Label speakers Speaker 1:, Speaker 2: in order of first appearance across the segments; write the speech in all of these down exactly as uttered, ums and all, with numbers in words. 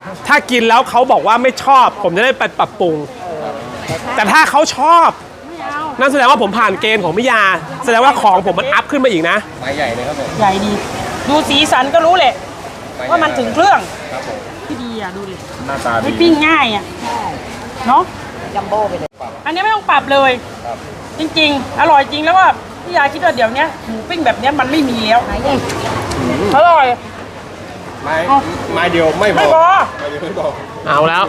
Speaker 1: ถ้ากินแล้วเขาบอกว่าไม่ชอบผมจะได้ไปปรับปรุงแต่ถ้าเขาชอบนั่นแสดงว่าผมผ่านเกณฑ์ของพิยาแสดงว่าของผมมันอัพขึ้นมาอีกนะ
Speaker 2: ไม้ใหญ่เลยครับผม
Speaker 3: ใหญ่ดีดูสีสันก็รู้แหละว่ามันถึงเครื่องที่ดีอ่ะดูดิ
Speaker 2: หน้าตาดี
Speaker 3: ปิ้งง่ายอ่ะเนาะ
Speaker 4: จัมโบ้ไปเลย
Speaker 3: อันนี้ไม่ต้องปรับเลยจริงๆอร่อยจริงแล้วว่าพี่ยาคิดว่าเดี๋ยวนี้หมูปิ้งแบบนี้มันไม่มีแล้วอร่อย
Speaker 2: ไม้ไม้เดียวไม่พอ
Speaker 3: ไม่พอ
Speaker 2: ไม่พอ
Speaker 1: เอาแล้ว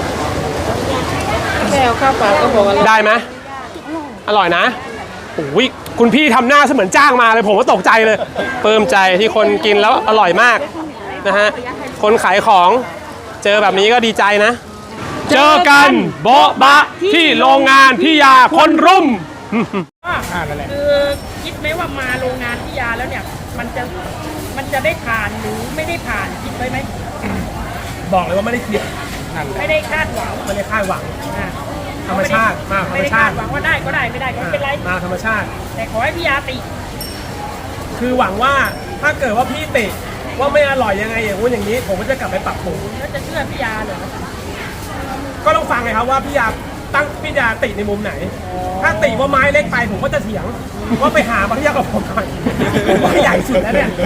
Speaker 4: แค่เอาข้าวเปล่าก็พอแล้ว
Speaker 1: ได้ไหมอร่อยนะโอ้ยคุณพี่ทำหน้าเสมือนจ้างมาเลยผมก็ตกใจเลยเพิ่มใจที่คนกินแล้วอร่อยมากนะฮะคนขายของเจอแบบนี้ก็ดีใจนะเจอกันโบ๊ะบะที่โรงงานพี่ยาคนรุ่ม
Speaker 3: คือคิดไหมว่ามาโรงงานพี่ยาแล้วเนี่ยมันจะมันจะได้ผ่านหรือไม่ได้ผ่านคิดไว้ไหม
Speaker 1: บอกเลยว่าไม่ได้เกี่ยว
Speaker 3: ไม่ได้คาดหวัง
Speaker 1: ไม่ได้คาดหวังธรรมชาติมาธรรมชาติ
Speaker 3: หวังว่าได้ก็ได้ไม่ได้ก็ไม่เป็นไร
Speaker 1: มาธรรมชาติ
Speaker 3: แต่ขอให้พี่ยาติ
Speaker 1: คือหวังว่าถ้าเกิดว่าพี่ติว่าไม่อร่อยยังไงอย่างนู้นอย่างนี้ผมก็จะกลับไปปรับปรุง
Speaker 3: แล้วจะเชื่อพี่ยาเหรอ
Speaker 1: ก็ต้องฟังไงครับว่าพี่ยาตั้งพี่ยาติในมุมไหนถ้าติว่าไม้เล็กไปผมก็จะเถียงว่าไปหาพี่ยากับผมก่อนผมว่าใหญ่สุดแล้วเนี่ย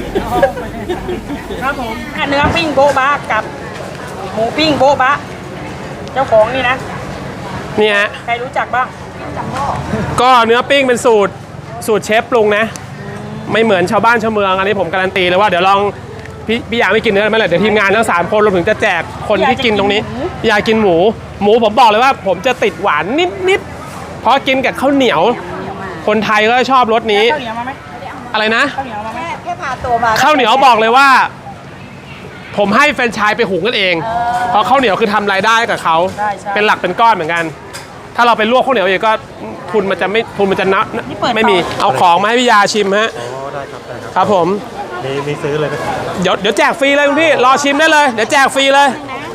Speaker 1: ครับผม
Speaker 3: เนื้อปิ้งโบ๊ะบะกับหมูปิ้งโบ๊ะบะเจ้าของนี่นะ
Speaker 1: เนี่ย
Speaker 3: ใครรู้จักบ้าง
Speaker 1: ก็เนื้อปิ้งเป็นสูตรสูตรเชฟปรุงนะไม่เหมือนชาวบ้านชาวเมืองอันนี้ผมการันตีเลยว่าเดี๋ยวลองพี่พี่ยาไม่กินเนื้อไม่เลยเดี๋ยวทีมงานทั้งสามคนรวมถึงจะแจกคนที่กินตรงนี้พี่ยากินหมูหมูผมบอกเลยว่าผมจะติดหวานนิดนิดเพราะกินกับข้าวเหนียวคนไทยก็ชอบรสนี้
Speaker 3: ข้าวเหนียวมาไหม
Speaker 1: อะไรนะ
Speaker 3: ข้าวเหนียวมาไหม
Speaker 4: แค่พาตัวมา
Speaker 1: ข้าวเหนียวบอกเลยว่าผมให้แฟรนไชส์ไปหุงกันเองเพราะข้าวเหนียวคือทำรายได้กับเขาเป็นหลักเป็นก้อนเหมือนกันถ้าเราไปลวกข้าวเหนียวเองก็ทุนมันจะไม่ทุนมันจะนับไม่มีเอาของมาให้พี่ยาชิมฮะ
Speaker 2: อ๋อได้ครับได้ครับ
Speaker 1: ครับผม
Speaker 2: มีมีซื้อเลย
Speaker 1: เดี๋ยวเดี๋ยวแจกฟรีเลยคุณพี่รอชิมได้เลยเดี๋ยวแจกฟรีเลย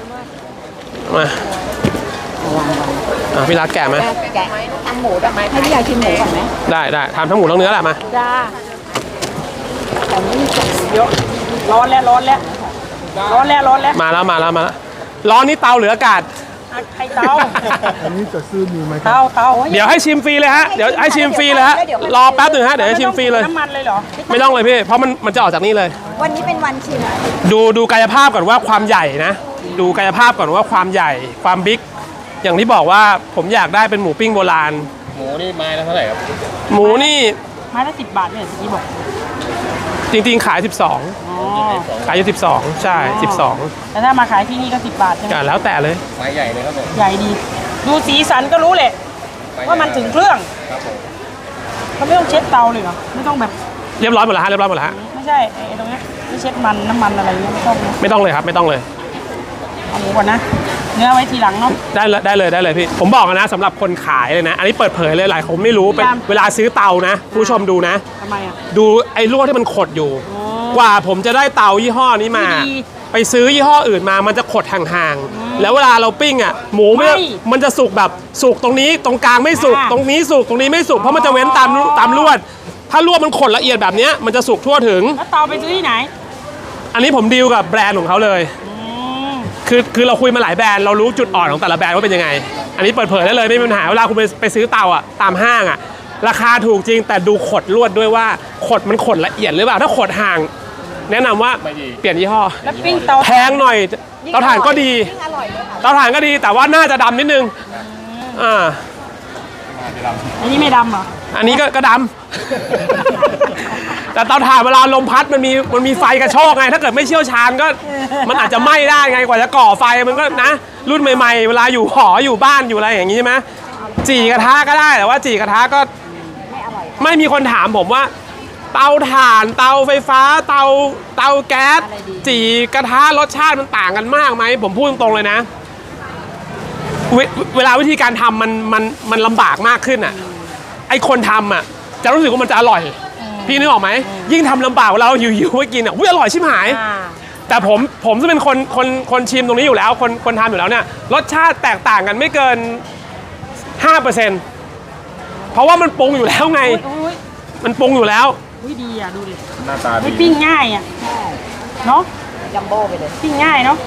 Speaker 1: มาพี่รักแกะไหม
Speaker 4: แกะทำหมูได้ไหมให้พี่ยาชิมหมูก่อนไหม
Speaker 1: ได้ได้ทำทั้งหมูทั้งเนื้อแหละมา
Speaker 3: จ้าแต่ไม่เยอะร้อนแล้วร้อนแล้วร้อนแล้วร้อนแล้ว
Speaker 1: มาแล้วมาแล้วมาแล้วร้อนนี่เตาหรืออากาศ
Speaker 3: ใครเตา
Speaker 2: อันนี้จะซื้อมีไหม
Speaker 3: เตาเตา
Speaker 1: เดี๋ยวให้ชิมฟรีเลยฮะเดี๋ยวให้ชิมฟรีเลยฮะรอแป๊บหนึ่งฮะเดี๋ยวให้ชิมฟรีเลย
Speaker 3: น้ำมันเลยเหรอ
Speaker 1: ไม่ต้องเลยพี่เพราะมันมันจะออกจากนี่เลย
Speaker 4: วันนี้เป็นวันชิม
Speaker 1: ดูดูกายภาพก่อนว่าความใหญ่นะดูกายภาพก่อนว่าความใหญ่ความบิ๊กอย่างที่บอกว่าผมอยากได้เป็นหมูปิ้งโบราณ
Speaker 2: หมูนี่ไม้ละเท่าไหร่ครับ
Speaker 1: หมูนี่
Speaker 3: ไม้ละสิบบาทเนี่ยที่บอก
Speaker 1: จริงๆขายสิบสองขายอยู่สิบสองใช่สิบสอง
Speaker 3: แต่ถ้ามาขายที่นี่ก็สิบบาทใช่ไหม
Speaker 1: แล้วแต่เลย
Speaker 2: ไม้ใหญ่เลยครับผม
Speaker 3: ใหญ่ดีดูสีสันก็รู้แหละว่ามันถึงเครื่อง
Speaker 2: ครับผม
Speaker 3: เขาไม่ต้องเช็ดเตาเลยเหรอไม่ต้องแบบ
Speaker 1: เรียบร้อยหมดแล้วฮะเรียบร้อยหมดแล้วฮะ
Speaker 3: ไม่ใช่ไอ้ตรงนี้ไม่เช็ดมันน้ำมันอะไรเงี้ยไม่ต้อง
Speaker 1: ไม่ต้องเลยครับไม่ต้องเลย
Speaker 3: เอาหมูก่อนนะเนื้อไว้ทีหลังเนาะ
Speaker 1: ได้เลยได้เลยได้เลยพี่ผมบอกนะสำหรับคนขายเลยนะอันนี้เปิดเผยเลยหลายคนไม่รู้เป็นเวลาซื้อเตานะผู้ชมดูนะ
Speaker 3: ทำไมอ่ะ
Speaker 1: ดูไอ้ลวดที่มันขดอยู่กว่าผมจะได้เตายี่ห้อนี้มาไปซื้อยี่ห้ออื่นมามันจะขดห่างๆแล้วเวลาเราปิ้งอ่ะหมูไม่มันจะสุกแบบสุกตรงนี้ตรงกลางไม่สุกตรงนี้สุกตรงนี้ไม่สุกเพราะมันจะเว้นตามตามลวดถ้าลวดมันขดละเอียดแบบนี้มันจะสุกทั่วถึง
Speaker 3: แล้วเตาไปซื้อที่ไหน
Speaker 1: อันนี้ผมดีลกับแบรนด์ของเขาเลยคือคือเราคุยมาหลายแบรนด์เรารู้จุดอ่อนของแต่ละแบรนด์ว่าเป็นยังไงอันนี้เปิดเผยได้เลยไม่มีปัญหาเวลาคุณไปไปซื้อเตาอ่ะตามห้างอ่ะราคาถูกจริงแต่ดูขดลวดด้วยว่าขดมันขดละเอียดหรือเปล่าถ้าขดห่างแนะนำว่าเปลี่ยนยี่ห้อ
Speaker 3: แล้วปิ้งเตา
Speaker 1: แพงหน่อยเตาถ่านก็ดีเตาถ่านก็ดีแต่ว่าน่าจะดำนิดนึงอ่า
Speaker 3: อันนี้ไม่ดำเหรอ
Speaker 1: อันนี้ก็ก็ดำแต่เตาถ่านเวลาลมพัดมันมีมันมีไฟกระโชกไงถ้าเกิดไม่เชี่ยวชาญก็มันอาจจะไหม้ได้ไงกว่าจะก่อไฟมันก็นะรุ่นใหม่ๆเวลาอยู่หออยู่บ้านอยู่อะไรอย่างนี้ใช่ไหมจี่กระทะก็ได้แต่ว่าจี่กระทะก็ไม่มีคนถามผมว่าเตาถ่านเตาไฟฟ้าเตาเตาแก๊สจี่กระทะรสชาติมันต่างกันมากไหมผมพูดตรงๆเลยนะเว, เวลาวิธีการทำมันมันมันลำบากมากขึ้นอ่ะไอคนทำอ่ะจะรู้สึกว่ามันจะอร่อยพี่นึกออกไหมยิ่งทำลำบากเราหิวๆไว้กินอ่ะอุ้ยอร่อยชิบหายแต่ผมผมจะเป็นคนคนคนชิมตรงนี้อยู่แล้วคนคนทำอยู่แล้วเนี่ยรสชาติแตกต่างกันไม่เกิน ห้าเปอร์เซ็นต์ เพราะว่ามันปรุงอยู่แล้วไงมันปรุงอยู่แล้ว
Speaker 3: อุ้ยดีอ่ะดูดิ
Speaker 2: หน้าตาดี
Speaker 3: ปิ้งง่ายอ่ะเนาะ
Speaker 4: จัมโบ้ไปเลย
Speaker 3: ปิ้งง่ายเนาะ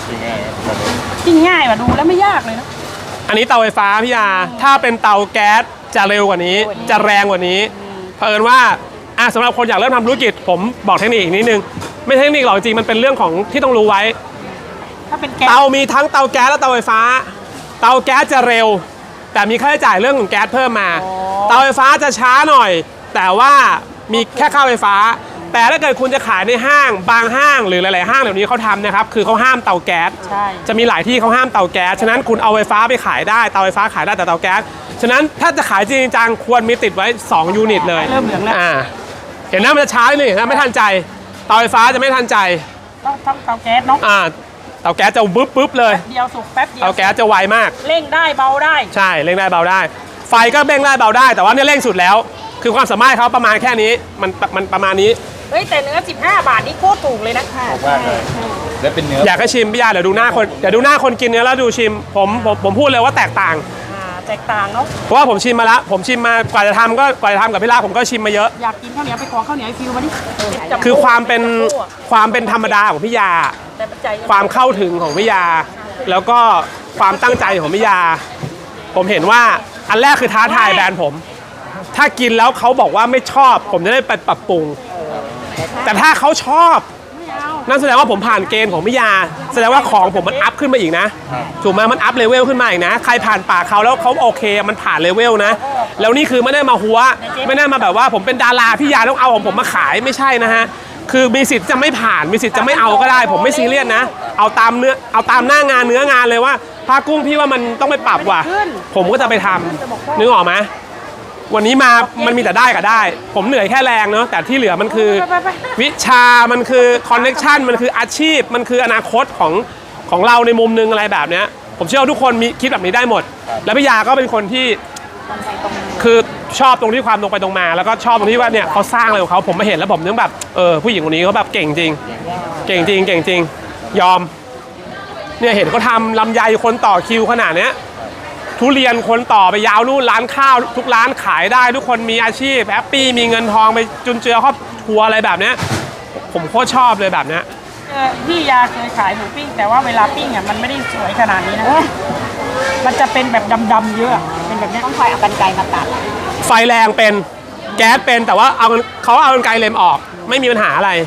Speaker 3: กินง่ายว่ะดูแล้วไม่ยากเลยนะ
Speaker 1: อันนี้เตาไฟฟ้าพี่ยาถ้าเป็นเตาแก๊สจะเร็วกว่านี้ จะแรงกว่านี้เผอิญว่าอ่ะสำหรับคนอยากเริ่มทำธุรกิจผมบอกเทคนิคอีกนิดนึงไม่ใช่เทคนิคหรอกจริงมันเป็นเรื่องของที่ต้องรู้ไว้
Speaker 3: ถ้าเป็นแก๊ส
Speaker 1: เตามีทั้งเตาแก๊สและเตาไฟฟ้า เตาแก๊สจะเร็ว แต่มีค่าใช้จ่ายเรื่องของแก๊สเพิ่มมา เตาไฟฟ้าจะช้าหน่อย แต่ว่ามีแค่ค่าไฟฟ้า แต่ถ้าเกิดคุณจะขายในห้างบางห้างหรือหลายๆห้างเดี๋ยวนี้เขาทำนะครับคือเขาห้ามเตาแก๊ส
Speaker 3: ใช่
Speaker 1: จะมีหลายที่เขาห้ามเตาแก๊สฉะนั้นคุณเอาไฟฟ้าไปขายได้เตาไฟฟ้าขายได้แต่เตาแก๊สฉะนั้นถ้าจะขายจริงจังควรมีติดไว้สองยูนิตเลย
Speaker 3: เริ่มเหลืองแล้ว
Speaker 1: อ่าเห็นหน้ามันจะช้าหนึ่งนะไม่ทันใจเตาไฟฟ้าจะไม่ทันใจ
Speaker 3: ต้องต้องเตาแก๊สเนาะ
Speaker 1: อ่าเตาแก๊สจะบึ๊บบึ๊บเลย
Speaker 3: เดียวสุกแป๊บเดียว
Speaker 1: เตาแก๊สจะไวมาก
Speaker 3: เร่งได้เบาได้
Speaker 1: ใช่เร่งได้เบาได้ ไฟก็เร่งได้เบาได้ แต่ว่าเนี่ยเร่งสุดแล้ว คือความสามารถเขาประมาณแค่นี้มันมันประมาณนี้
Speaker 3: เฮ้ยแต่เนื้อสิบห้าบาทนี่โคตรถูกเลยนะ
Speaker 4: ค่ะ
Speaker 2: ถูกมากเลย และเป็นเนื้อ
Speaker 1: อยากให้ชิมพี่ยาเดี๋ยวดูหน้าคนเดี๋ยวดูหน้าคนกินเนื้อแล้วดูชิมผมผมผมพูดเลยว่าแตกต่าง
Speaker 3: อ่าแตกต่างเนาะ
Speaker 1: เพราะว่าผมชิมมาแล้วผมชิมมากว่าจะทำก็กว่าจะทำกับพี่ลาผมก็ชิมมาเยอะ
Speaker 3: อยากกินข้าวเหนียวไปขอข้าวเหนียวไอฟิวมาดิจับ
Speaker 1: คือความเป็นความเป็นธรรมดาของพี่ยา
Speaker 3: แต่ปัจจัย
Speaker 1: ความเข้าถึงของพี่ยา แล้วก็ความตั้งใจของพี่ยา ผมเห็นว่าอันแรกคือท้าทายแบรนด์ผม ถ้ากินแล้วเขาบอกว่าไม่ชอบ ผมจะได้ไปปรับปรุง แต่ถ้าเขาชอบ
Speaker 3: ไม่เอา
Speaker 1: นั่นแสดงว่าผมผ่านเกณฑ์ของพี่ยา แสดงว่าของผมมันอัพขึ้นมาอีกนะถูกไหมมันอัพเลเวลขึ้นมาอีกนะ ใครผ่านปากเขาแล้วเขาโอเคมันผ่านเลเวลนะ แล้วนี่คือไม่ได้มาหัว ไม่ได้มาแบบว่าผมเป็นดาราพี่ยาต้องเอาของผมมาขายไม่ใช่นะฮะ คือมีสิทธิ์จะไม่ผ่านมีสิทธิ์จะไม่เอาก็ได้ ผมไม่ซีเรียสนะ เอาตามเนื้อเอาตามหน้างานเนื้องานเลยว่าพากุ้งพี่ว่ามันต้องไปปรับว่ะ ผมก็จะไปทำนึกออกไหมวันนี้มามันมีแต่ได้กับได้ ผมเหนื่อยแค่แรงเนาะแต่ที่เหลือมันคือ
Speaker 3: ไปไปไป
Speaker 1: วิชามันคือคอนเน็ชันมันคืออาชีพมันคืออนาคตของของเราในมุมนึงอะไรแบบเนี้ยผมเชื่อว่าทุกคนมีคิดแบบนี้ได้หมด แล้วพี่ยาก็เป็นคนที่คือชอบตรงที่ความตรงไปตรงมา แล้วก็ชอบตรงที่ว่าเนี่ยเขาสร้างอะไรของเขาผมมาเห็นแล้วผมนึกแบบเออผู้หญิงคนนี้เขาแบบเก่งจริง เก่งจริงเก่งจริงยอมเนี่ยเห็นเขาทำลำไยคนต่อคิวขนาดเนี้ยทุเรียนคนต่อไปยาวนู่นร้านข้าวทุกร้านขายได้ทุกคนมีอาชีพแฮปปี้มีเงินทองไปจุนเจือครอบครัวอะไรแบบเนี้ยผมโคตรชอบเลยแบบเนี้ย
Speaker 3: เออพี่ยาเคยขายหมูปิ้งแต่ว่าเวลาปิ้งอ่ะมันไม่ได้สวยขนาดนี้นะ มันจะเป็นแบบดำๆเยอะ เป็นแบบเนี้ย
Speaker 4: ต้องคอยเอากรรไกรมาตัด
Speaker 1: ไฟแรงเป็นแก๊สเป็นแต่ว่าเอาเขาเอากรรไกรเล็มออกไม่มีปัญหาอะไร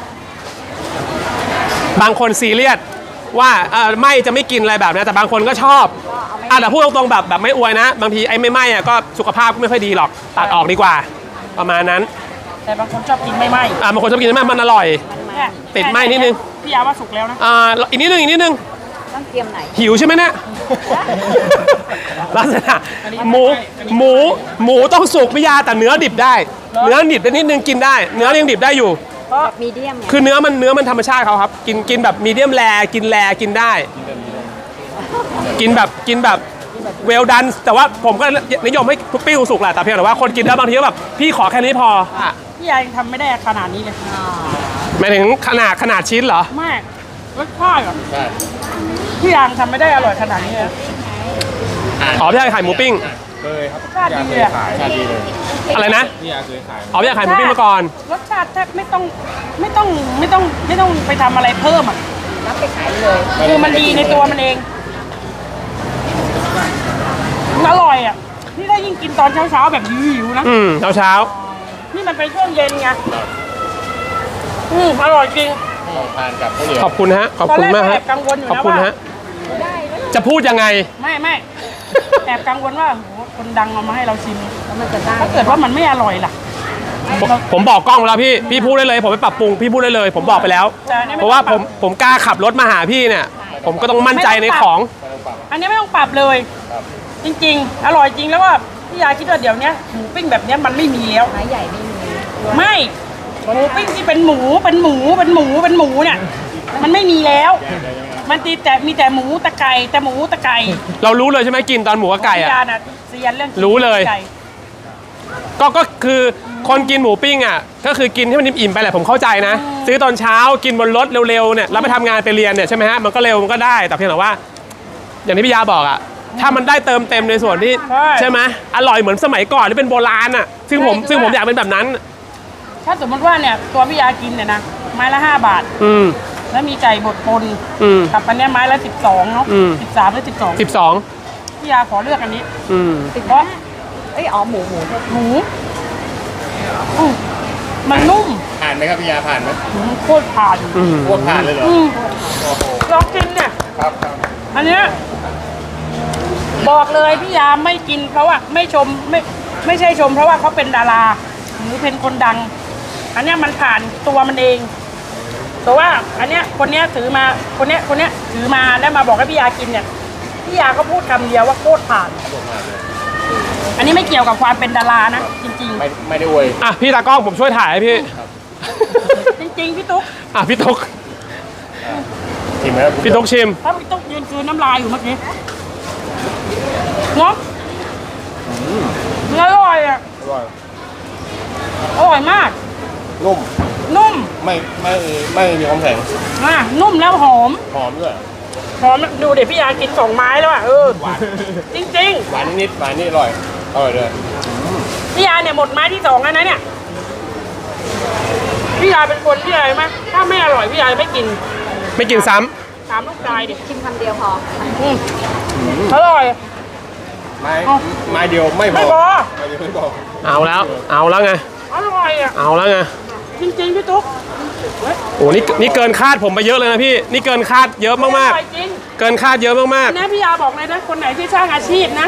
Speaker 1: บางคนซีเรียสว่าเออไม่จะไม่กินอะไรแบบนี้แต่บางคนก็ชอบอ่ะแต่พูดตรงๆแบบแบบไม่อวยนะ บางทีไอ้ไม่ไหม้อะก็สุขภาพก็ไม่ค่อยดีหรอกตัดออกดีกว่า ประมาณนั้น
Speaker 3: แต่บางคนชอบกินไม่ไหม้
Speaker 1: อ่ะบางคนชอบกินไหมมันอร่อย
Speaker 3: เนี่ย
Speaker 1: ติดไหม้นิดนึง
Speaker 3: พี่ยาว่าสุกแล้วนะ
Speaker 1: อ่าอีกนิดนึงอีกนิดนึง
Speaker 4: ต้องเตรียมไหน
Speaker 1: หิวใช่ไหมเนี่ย ลักษณะหมูหมูหมูต้องสุกไม่ยาแต่เนื้อดิบได้ เนื้อดิบได้นิดนึงกินได้ เนื้อยังดิบได้อยู่
Speaker 3: เพราะ
Speaker 4: มีเดียมไง
Speaker 1: คือเนื้อมันเนื้อมันธรรมชาติเขาครับ กินกินแบบมีเดียมแรกินแรกินได้ กินแบบกินแบบเวลดันแต่ว่าผมก็นิยมให้ทุกปิ้งสุกแหละแต่เพียงแต่ว่าคนกินแล้วบางทีก็แบบพี่ขอแค่นี้พออ่ะ
Speaker 3: พี่ยายังทำไม่ได้ขนาดนี้เลย
Speaker 1: หมายถึงขนาดขนาดชิ้นเหรอ
Speaker 3: มากรสชาติอ่ะ
Speaker 2: ใช่
Speaker 3: พี่ยาทำไม่ได้อร่อยขนาดนี้เลย
Speaker 1: อ๋อพี่ยาขายหมูปิ้ง
Speaker 2: เคยครับ
Speaker 3: ชาติดีเลยอะ
Speaker 2: ขายชาติดีเลย
Speaker 1: อะไรนะ
Speaker 2: พี่ยาเคยขาย
Speaker 1: อ๋อพี่ยาขายหมูปิ้งมาก่อน
Speaker 3: รสชาติแทบไม่ต้องไม่ต้องไม่ต้องไม่ต้องไปทำอะไรเพิ่มอ่ะ
Speaker 4: รับไปขายเลย
Speaker 3: คือมันดีในตัวมันเองมันอร่อยอ่ะนี่ถ้ายิ่งกินตอนเช้าๆแบบหิวๆนะ
Speaker 1: อืมเช้าเช้า
Speaker 3: นี่มันเป็นช่วงเย็นไงอืมอร่อยจริง
Speaker 2: ต้องทานกับข้าวเหนียว
Speaker 1: ขอบคุณฮะขอบคุณมาก
Speaker 3: ตอนแร
Speaker 1: ฮะ
Speaker 3: แอบกังวลอยู่
Speaker 1: ขอบ
Speaker 3: นะ
Speaker 1: คุณ
Speaker 3: ว่า
Speaker 1: ฮะจะพูดยังไง
Speaker 3: ไม่ไม่ แอบกังวลว่าโหคนดังเอามาให้เราชิม
Speaker 4: แล้วมันจะได้
Speaker 3: ถ้าเกิดว่ามันไม่อร่อยล่ะ
Speaker 1: ผมผมบอกกล้องแล้วพี่พี่พูดได้เลย ผมไปปรับปรุงพี่พูดได้เลย ผมบอกไปแล้ว
Speaker 3: แต่อันนี้ไม่
Speaker 1: เพราะว่า
Speaker 3: ต้องป
Speaker 1: ผ
Speaker 3: รับ
Speaker 1: มผมกล้าขับรถมาหาพี่เนี่ย ผมก็ต้องมั่นใจในของ
Speaker 3: อันนี้ไม่ต้องปรับเลย จริง ๆ อร่อยจริงแล้วว่าพี่ยาคิดว่าเดี๋ยวนี้หมูปิ้งแบบเนี้ยมันไม่มีแล้ว
Speaker 4: ไม้ใหญ่ไม่มี
Speaker 3: ไม่หมูปิ้งที่เป็นหมูเป็นหมูเป็นหมูเป็นหมูเนี่ยมันไม่มีแล้ว มันตีแต่มีแต่หมูตะไก่แต่หมูตะไก่
Speaker 1: เรารู้เลยใช่ไหมกินตอนหมูกับไก่
Speaker 3: พี่
Speaker 1: อะ
Speaker 3: ยาน่ะเซียนเรื่องกิน
Speaker 1: รู้เลย
Speaker 3: ไก่
Speaker 1: ก็ก็คือคนกินหมูปิ้งอ่ะก็คือกินให้มันอิ่มๆไปแหละผมเข้าใจนะ ซื้อตอนเช้ากินบนรถเร็วๆเนี่ยแล้วไปทำงานไปเรียนเนี่ยใช่ไหมฮะมันก็เร็วมันก็ได้แต่เพียงแต่ว่า อย่างที่พี่ยาบอกอ่ะถ้ามันได้เติมเต็มในส่วนที่ใช่ไหมอร่อยเหมือนสมัยก่อนที่เป็นโบราณอ่ะซึ่งผมซึ่งผมอยากเป็นแบบนั้น
Speaker 3: ถ้าสมมติว่าเนี่ยตัวพี่ยากินเนี่ยนะไม้ละห้าบาท
Speaker 1: อืม
Speaker 3: ในแล้วมีไก่บดปน
Speaker 1: อืม
Speaker 3: กับอันเนี้ยไม้ละสิบสองเนาะ
Speaker 1: อืม
Speaker 3: สิบสามหรือสิบสอง
Speaker 1: สิบสอง
Speaker 3: พี่ยาขอเลือกอันนี้
Speaker 1: อืม
Speaker 3: เพราะ
Speaker 4: เอ้ยอ๋อหมูหมู
Speaker 3: หมูอืมมันนุ่ม
Speaker 2: ผ่านไหมครับพี่ยาผ่านไหม
Speaker 3: อืมโคตรผ่าน
Speaker 1: อืม
Speaker 2: พวกผ่านเลยเหรอ
Speaker 3: อืม
Speaker 2: โอ้โห
Speaker 3: ลองกินเนี่ย
Speaker 2: ครับครับ
Speaker 3: อันเนี้ยบอกเลยพี่ยาไม่กินเพราะว่าไม่ชมไม่ไม่ใช่ชม เพราะว่าเขาเป็นดาราหรือเป็นคนดัง อันเนี้ยมันผ่านตัวมันเองแต่ว่าอันเนี้ยคนเนี้ยถือมาคนเนี้ยคนเนี้ยถือมาแล้วมาบอกให้พี่ยากินเนี่ยพี่ยาก็พูดคำเดียวว่าโคตรผ่าน อันนี้ไม่เกี่ยวกับความเป็นดารานะจริง
Speaker 2: ไม่ไม่ได้อวย
Speaker 1: อ่ะพี่ตากล้องผมช่วยถ่ายให้พี่
Speaker 3: ๆ จริง ๆ พี่ตุ๊ก
Speaker 1: อ่ะพี่ตุ๊ก
Speaker 2: ชิมไหมครับ
Speaker 1: พี่ตุ๊กชิม
Speaker 3: ถ้าพี่ตุ๊กยืนคืนน้ำลายอยู่เมื่อกี้เนาะอร่อยอ่ะ
Speaker 2: อร่อย
Speaker 3: อร่อยมาก
Speaker 2: นุ่ม
Speaker 3: นุ่ม
Speaker 2: ไม่ไม่ไม่มีความแข็ง
Speaker 3: อ่ะนุ่มแล้วหอม
Speaker 2: หอมด้วย
Speaker 3: หอมดูเดี๋ยวพี่ยากินสองไม้แล้วอ่ะเออจริง
Speaker 2: หวานนิดๆหวานนิดอร่อยอร่อยเลย
Speaker 3: ๆพี่ยาเนี่ยหมดไม้ที่สองแล้วนะเนี่ยพี่ยาเป็นคนที่อะไรไหมถ้าไม่อร่อยพี่ยาไม่กิน
Speaker 1: ไม่กินซ้ำ
Speaker 3: ถามลูกชายดิ
Speaker 4: ชิมคำเดียวพอ
Speaker 3: อืมอร่อย
Speaker 2: ไม้ไม้เดียวไม่พอ
Speaker 3: ไม่พอ
Speaker 2: ไม้เดียวไม่พอ
Speaker 1: เอาแล้ว เอาแล้วไง
Speaker 3: อร่อยอ่ะ
Speaker 1: เอาแล้วไง
Speaker 3: จริงๆพี่ตุ๊ก
Speaker 1: โอ้นี่นี่เกินคาดผมไปเยอะเลยนะพี่ นี่เกินคาดเยอะมาก
Speaker 3: อร่อยจริง
Speaker 1: ๆ เกินคาดเยอะมาก
Speaker 3: อันนี้พี่ยาบอกเลยนะคนไหนที่สร้างอาชีพนะ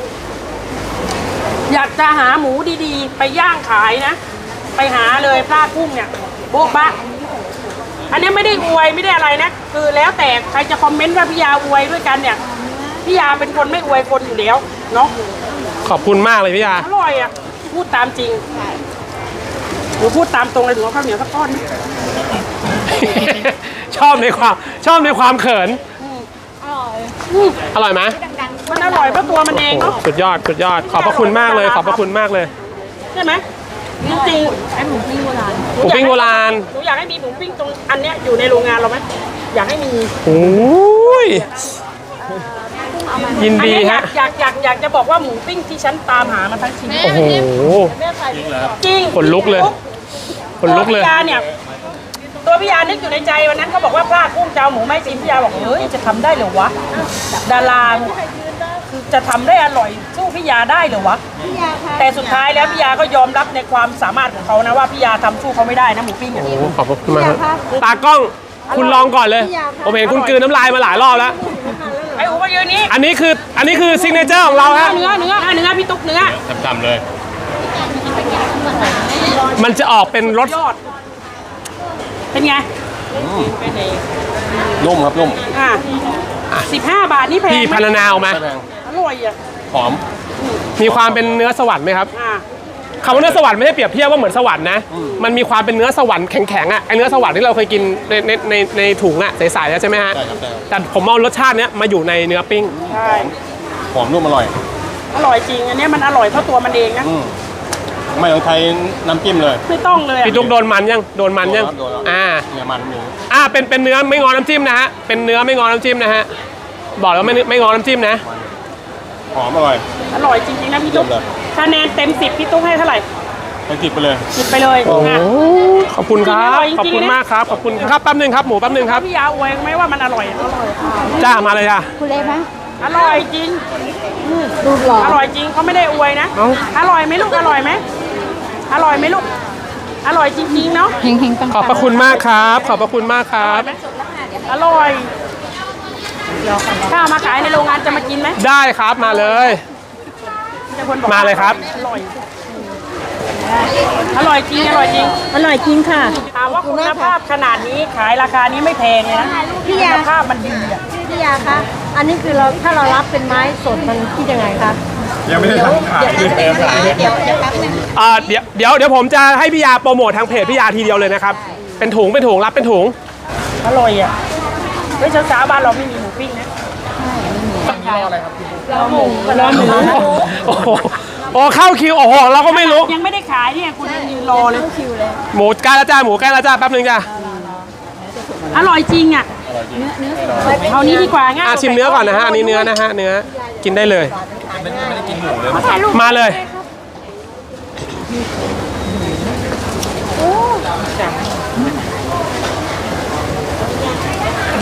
Speaker 3: อยากจะหาหมูดีๆ ไปย่างขายนะ ไปหาเลยพลาดกุ้งเนี่ยโบ๊ะบะอันนี้ไม่ได้อวยไม่ได้อะไรนะคือแล้วแต่ใครจะคอมเมนต์ว่าพี่ยาอวยด้วยกันเนี่ยพี่ยาเป็นคนไม่อวยคนอยู่แล้วเนาะ
Speaker 1: ๆ ขอบคุณมากเลยพี่ยา
Speaker 3: อร่อยอ่ะพูดตามจริงหนูพูดตามตรงเลยหนูเอาข้าวเหนียวสักก้อนนะ
Speaker 1: ชอบในความชอบในความเขิน
Speaker 3: อืม
Speaker 1: อร่อยไหม
Speaker 3: มันอร่อยเพราะตัวมันเองเนาะ
Speaker 1: สุดยอดสุดยอด ขอบพระคุณมากเลย ขอบพระคุณมากเลย
Speaker 3: ใช่ไหมจริงๆไอ้หมูปิ้งโบราณ
Speaker 1: หมูปิ้งโบราณ
Speaker 3: หนูอยากให้มีหมูปิ้งตรงอันเนี้ยอยู่ในโรงงานเราไหมอยากให้มี
Speaker 1: โอ้ยยิน
Speaker 3: อัน
Speaker 1: ดี
Speaker 3: เนี้ยอยา
Speaker 1: ฮะ
Speaker 3: กอยากอยากอยากจะบอกว่าหมูปิ้งที่ฉันตามหามาทั้งชีวิต
Speaker 1: โอ้โห
Speaker 3: จริง
Speaker 1: ขนลุกเลยขนลุกเลย
Speaker 3: ตัวพี่ยาเนี่ยตัวพี่ยานึกอยู่ในใจวันนั้นเขาบอกว่าพลาดกุ้งเจ้าหมูไม่สิพี่ยาบอกเฮ้ยจะทำได้เหรอวะดาราคือจะทำได้อร่อยสู้พี่ยาได้เหรอวะแต่สุดท้ายแล้วพี่ยาก็ยอมรับในความสามารถของเขานะว่าพี่ยาทำสู้เขาไม่ได้นะหมูปิ้งอ่ะ
Speaker 1: โอ้โหขอบพระคุณมากครับตากล้องคุณลองก่อนเลย ผมเห็นคุณกลืนน้ำลายมาหลายรอบแล้ว
Speaker 3: ไอ้อูมายืนนี้
Speaker 1: อันนี้คืออันนี้คือซิกเนเจอร์ของเราฮะ
Speaker 3: เนื้อเนื้อเนื้อพี่ตุ๊กเนื้อ
Speaker 2: จำๆเลย
Speaker 1: มันจะออกเป็นรส
Speaker 3: ยอดเป็นไง
Speaker 2: นุ่มครับนุ่ม
Speaker 3: อ่ะสิบห้าบาทนี่แพง
Speaker 1: พี่
Speaker 3: ไหม
Speaker 1: พันนาออกมา
Speaker 2: ไม่แพง
Speaker 3: อร่อยอ่ะ
Speaker 2: หอม
Speaker 1: มีความเป็นเนื้อสวรรค์ไหมครับ
Speaker 3: อ่ะ
Speaker 1: คำว่าเนื้อสวรรค์ไม่ได้เปรียบเทียบว่าเหมือนสวรรค์นะ มันมีความเป็นเนื้อสวรรค์แข็งๆอ่ะไอเนื้อสวรรค์ที่เราเคยกินในในในในถุงอ่ะใสๆใช่ไหมฮะ
Speaker 2: ใช่ครับใช่ครับ
Speaker 1: แต่ผมเอารสชาติเนี้ยมาอยู่ในเนื้อปิ้ง
Speaker 3: ใช่
Speaker 2: หอมนุ่มอร่อย
Speaker 3: อร่อยจริงอันเนี้ยมันอร่อยเพราะตัวมันเองนะ
Speaker 2: อืมไม่ต้องใช้น้ำจิ้มเลย
Speaker 3: ไม่ต้องเลยอะ
Speaker 1: พี่ตุ๊กโดนมันยังโดนมันยัง
Speaker 2: โดนแล้ว
Speaker 1: อ่า
Speaker 2: เนี่ยมันหมู
Speaker 1: อ่าเป็นเป็นเนื้อไม่งอน้ำจิ้มนะฮะเป็นเนื้อไม่งอน้ำจิ้มนะฮะบอกแล้วไม่ไม่งอน้ำจิ้มนะ
Speaker 2: หอมอร่อย
Speaker 3: อร่อยจริงๆนะพี่ตุ๊ก
Speaker 2: เยี่ยมเลย
Speaker 3: คะแนนเต็มสิบพี่ตุ๊กให้เท่าไหร่
Speaker 2: ไปจิบไปเลย
Speaker 3: สิบไปเลย
Speaker 1: โอ้
Speaker 3: อ่ะ
Speaker 1: ขอบคุณครับ
Speaker 3: อร่อยจริงๆ
Speaker 1: ขอบคุณ
Speaker 3: นะ
Speaker 1: มากครับขอบคุณครับแป๊บนึงครับหมูแป๊บนึงครับ
Speaker 3: พี่ยาอวยไหมว่ามันอร่อยอร่อย
Speaker 1: จ้ามาเลยจ้า
Speaker 4: คุณเล็กไหม
Speaker 3: อร่อยจริง
Speaker 4: ดูหล่อ
Speaker 3: อร่อยจริงเขาไม่ได้อวยนะ
Speaker 1: เอ้า
Speaker 3: อร่อยไหมลูกอร่อยไหมอร่อยไหมลูกอร่อยจริงๆเนาะ
Speaker 4: เฮงเฮงปัง
Speaker 1: ขอบพระคุณมากครับ ขอบพระคุณมากครับ
Speaker 3: อร่อยถ้าเอามาขายในโรงงานจะมากินไหม
Speaker 1: ได้ครับมาเลย
Speaker 3: จะคนบอก
Speaker 1: มาเลยครับ
Speaker 3: อร่อยอร่อยจริงอร่อยจริง
Speaker 4: อร่อยจริงค่ะ
Speaker 3: ถามว่าคุณภาพขนาดนี้ขายราคานี้ไม่แพงเลยนะ
Speaker 5: พี่
Speaker 3: คุ
Speaker 5: ยา
Speaker 3: ณภาพมันดีอ่ะ
Speaker 5: พี่ยาคะ อันนี้คือเราถ้าเรารับเป็นไม้สดมันคิดยังไงคะ
Speaker 2: ยังไม่ได้ทำขายเลยเติมขาย
Speaker 5: เดี๋ยวเดี๋ยวแป๊บนึง
Speaker 1: อ่าเดี๋ยวเดี๋ยวเดี๋ยวผมจะให้พี่ยาโปรโมททางเพจพี่ยาทีเดียวเลยนะครับ เป็นถุงเป็นถุงรับเป็นถุง
Speaker 3: อร่อยอ่ะเฮ้ยเช้าๆบ้านเราไม่มีหมูปิ้งนะเราหมูเราหมู
Speaker 1: โอ้โหโอ้เข้าคิวโอ้โหเราก็ไม่รู้
Speaker 3: ยังไม่ได้ขายเนี่ยคุณยังยืนรอเลย
Speaker 1: หมูใกล้แล้วจ้าหมูใกล้แล้วจ้าแป๊บนึงจ้า
Speaker 3: อร่อยจริงอ่ะเอานี้ดีกว่าง่าย
Speaker 1: อ่ะชิมเนื้อก่อนนะฮะอันนี้เนื้อนะฮะเนื้อกินได้เลย มาเลย
Speaker 3: อ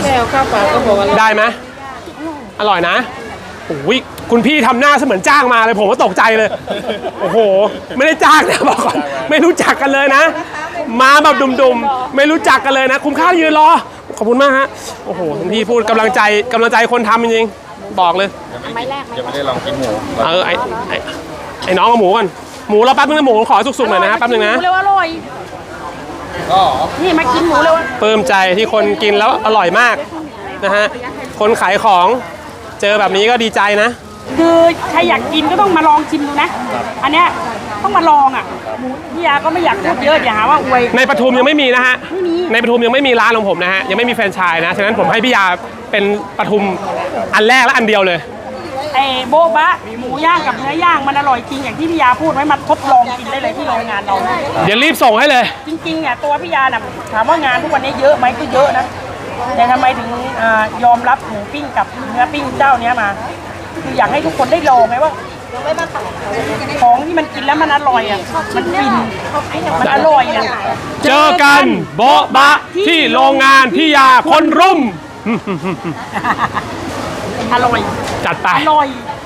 Speaker 3: ค่เอาข้าวเปล่าก็บอกว่า
Speaker 1: ได้ไหมอร่อยนะโอ้ยคุณพี่ทำหน้าเสมือนจ้างมาเลยผมก็ตกใจเลย โอ้โห ไม่ได้จ้างนะบอกก่อนไม่รู้จักกันเลยนะ มาแบบดุมๆไม่รู้จักกันเลยนะ คุ้มค่ายืนรอขอบคุณมากฮะโอ้โหคุณพี่พูดกำลังใจกำลังใจคนทำจริงๆบอกเลย
Speaker 2: ยังไม่ได้ลองกินหมู
Speaker 1: เออไอไอไอน้องเอาหมูก่อนหมูเราแป๊บนึงนะหมูขอสุกๆหน่อยนะแป๊บนึงนะ
Speaker 3: หมูเร็วอร่อย
Speaker 2: ก็
Speaker 3: นี่มากินหมูเร็ว
Speaker 1: ปลื้มใจที่คนกินแล้วอร่อยมากนะฮะคนขายของเจอแบบนี้ก็ดีใจนะ
Speaker 3: คือใครอยากกินก็ต้องมาลองชิมดูนะ อันเนี้ยต้องมาลองอ่ะหมูพี่ยาก็ไม่อยากพูดเยอะอย่าหาว่าอวย
Speaker 1: ในปทุมยังไม่มีนะฮะ
Speaker 3: ไม่มี
Speaker 1: ในปทุมยังไม่มีร้านของผมนะฮะยังไม่มีแฟรนไชส์นะฉะนั้นผมให้พี่ยาเป็นปทุมอันแรกและอันเดียวเลย
Speaker 3: ไอ้โบ๊ะบะหมูย่างกับเนื้อย่างมันอร่อยจริงอย่างที่พี่ยาพูดไว้มาทดลองกินได้เลยที่โรงงานเรา
Speaker 1: เดี๋ยวรีบส่งให้เลย
Speaker 3: จริงๆเนี่ยตัวพี่ยาน่ะถามว่างานทุกวันนี้เยอะไหมก็เยอะนะแต่ทำไมถึงอายอมรับหมูปิ้งกับเนื้อปิ้งเจ้าเนี้ยมา คืออยากให้ทุกคนได้ลองไงว่าของที่มันกินแล้วมันอร่อยอ่ะมันฟินมันอร่อยนะ
Speaker 1: เจอกันโบ๊ะบะที่โรงงานพี่ยาคนรุม
Speaker 3: อร่อย
Speaker 1: จัดไป
Speaker 3: อร่อย